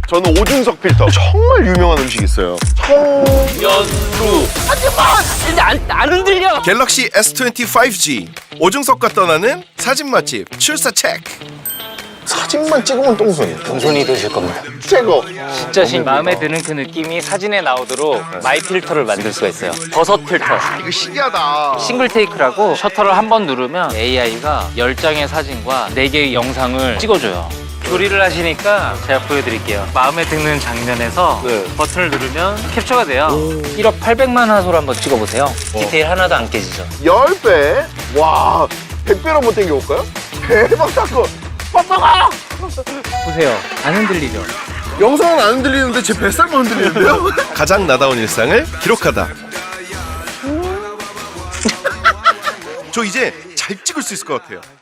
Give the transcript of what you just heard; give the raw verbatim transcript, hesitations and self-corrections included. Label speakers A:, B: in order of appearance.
A: 저는 오중석 필터. 정말 유명한 음식이 있어요.
B: 연루.
C: 하지마! 근데 안, 안 흔들려.
D: 갤럭시 에스 이십오 지 오중석과 떠나는 사진 맛집 출사 체크.
A: 사진만 찍으면 똥손이.
B: 동선이 되실 겁니다.
A: 최고.
B: 진짜 신 마음에 드는 그 느낌이 사진에 나오도록 마이 필터를 만들 수가 있어요. 버섯 필터.
A: 이거 신기하다.
B: 싱글 테이크라고 셔터를 한 번 누르면 에이아이가 열 장의 사진과 네 개의 영상을 찍어줘요. 조리를 하시니까 제가 보여드릴게요. 마음에 드는 장면에서
A: 네.
B: 버튼을 누르면 캡처가 돼요. 일억 팔백만 화소로 한번 찍어보세요. 디테일 하나도 안 깨지죠.
A: 십 배? 와, 백 배로 한번 땡겨볼까요? 대박 사건. 빠빠가!
B: 보세요. 안 흔들리죠?
A: 영상은 안 흔들리는데 제 뱃살만 흔들리는데요?
D: 가장 나다운 일상을 기록하다. 저 이제 잘 찍을 수 있을 것 같아요.